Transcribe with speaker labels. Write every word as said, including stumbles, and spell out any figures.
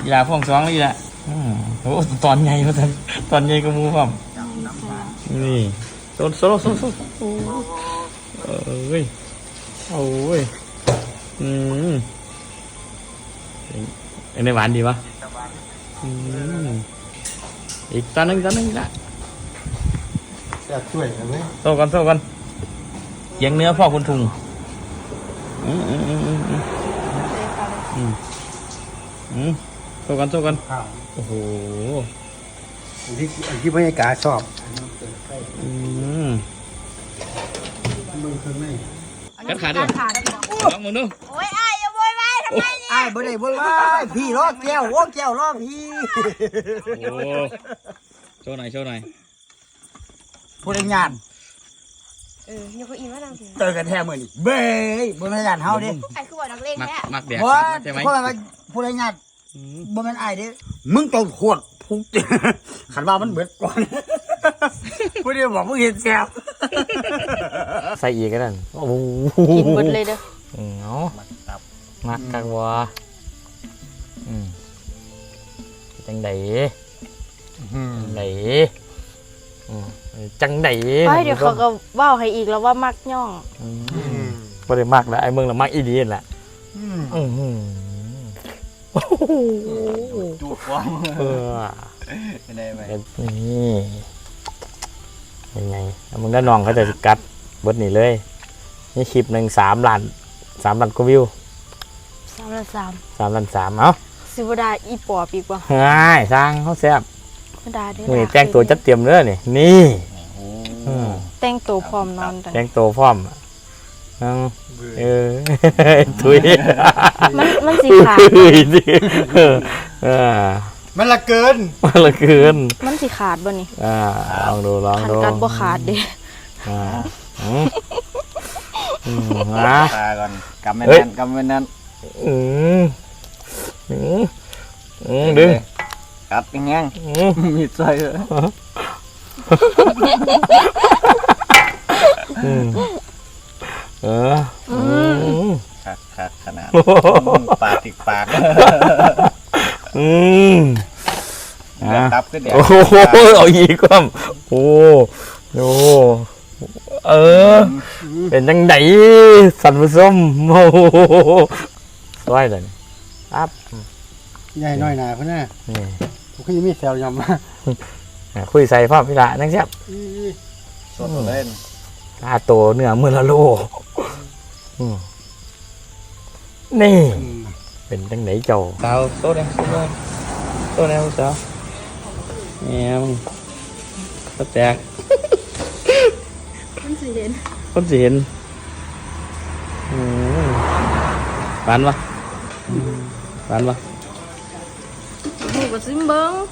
Speaker 1: กีฬาพ่วงสองนี่แหละโอ้ตอนใหญ่เขาทำตอนใหญ่ก็มูความนี่โซนโซโลโซโซเอ้ยโอ้ยอืมอันนี้หวานดีปะอืมอีกตอนนึงตอนนึงละ
Speaker 2: จะช่วยกันไหม
Speaker 1: โซ่กันโซ่กันเยียงเนื้อพ่อคุณทุงอืมอืมอืมอืมอืมอืมอืมโซ่กันโซ่กันโอ้โห
Speaker 2: ที่ที่บรรยากาศชอบ
Speaker 1: อืม
Speaker 2: มึงเคยไหม
Speaker 1: กัดขาด้วยลองมึงดู
Speaker 3: โอ้ยไอ้อย่าโวยวายทำไมเนี่ย
Speaker 2: ไอ้บ่ได้บ่ได้พี่รอแก้ววงแก้วรอพี่
Speaker 1: โอ้โชว์หน่อยโชว์หน่อย
Speaker 2: ผู้เล่นงาน
Speaker 3: เออยังก็อีมาดังสิ
Speaker 2: เจอกันแท้เมื่อนี้เบ้ยบนงานเฮาดิ
Speaker 3: ไอ้คือว่านักเลงแท้
Speaker 1: มักเดีย
Speaker 2: ว่า
Speaker 1: ใช่ไหม
Speaker 2: เพราะว่าผู้เล่นงานบ่แม่นไอ้ดิมึงต้องขวดพุกขันว่ามันเบิดก่อนผู้เดียวบอกมึงเห็นแซ่บ
Speaker 1: ใส่อีกก็ได้โอ้โห
Speaker 3: กินหมดเลยเด้อ
Speaker 1: เนาะมักกักวัวอืมจังไดจังไดจังได
Speaker 3: ไปเดี๋ยวเขาก็ว่าวให้อีกแล้วว่ามักย่อง
Speaker 1: บ่ได้มักแล้วไอ้เมืองละมักอีดีนแหละอืม
Speaker 2: จูบว่าง
Speaker 1: เออ
Speaker 2: ได้ไหม
Speaker 1: นี่ยังไงมึงได้น้องเขาจะกัดบดนี่เลยนี่คลิปหนึ่งสามล้านสามล้านกว่าวิว
Speaker 3: สามล้านสาม
Speaker 1: สามล้านสามเอ้า
Speaker 3: สิบดาอีปอปีกว่า
Speaker 1: ง่ายสร้างเขาแซ่บ
Speaker 3: ดาเด้อ
Speaker 1: นี่แต่งตัวจัดเตรียมเนื้อนี่นี่
Speaker 3: แต่งตัวพร้อมนอน
Speaker 1: แต่งตัวพร้อมเออถุย
Speaker 3: มันมันสีขาด
Speaker 1: เออ
Speaker 2: มันละเกิน
Speaker 1: มันละเกิน
Speaker 3: มันสีขาดบ่นี่
Speaker 1: อ่าลองดูลองดู
Speaker 3: กันบ่ขาดเด้
Speaker 1: อ่าอืมอืม
Speaker 2: นะตาก่อนกำไม่แน่นกำไม่แน่น
Speaker 1: อืมอืมอืมดึง
Speaker 2: กัดยังไงมีใจเลย
Speaker 1: เออ
Speaker 2: คักคักขนาดปากติดปาก
Speaker 1: อืม
Speaker 2: ตับก็เดี๋ยว
Speaker 1: โอ้โหเอาอีกว่าโอ้โหเออเป็นจังไดสันผสมโอ้โหสวยเลยครับ
Speaker 2: ใหญ่น้อยหนาเพื่อนน่ะนี่ผมก็ยังมีแซวยำมา
Speaker 1: คุยใส่พ่อพี่ละนั่งแซ่บ
Speaker 2: สดเล่น
Speaker 1: ตาโตเนื้อมือละโลนี่เป็นจังไหนเจ้าสาวโต๊ะเนี่ยโต๊ะเนี่ยสาวเนี่ยมึงก็แตก
Speaker 3: คนสีเห็น
Speaker 1: คนสีเห็นหวานปะหวานปะ
Speaker 3: หมูกับซิมเบิ้ง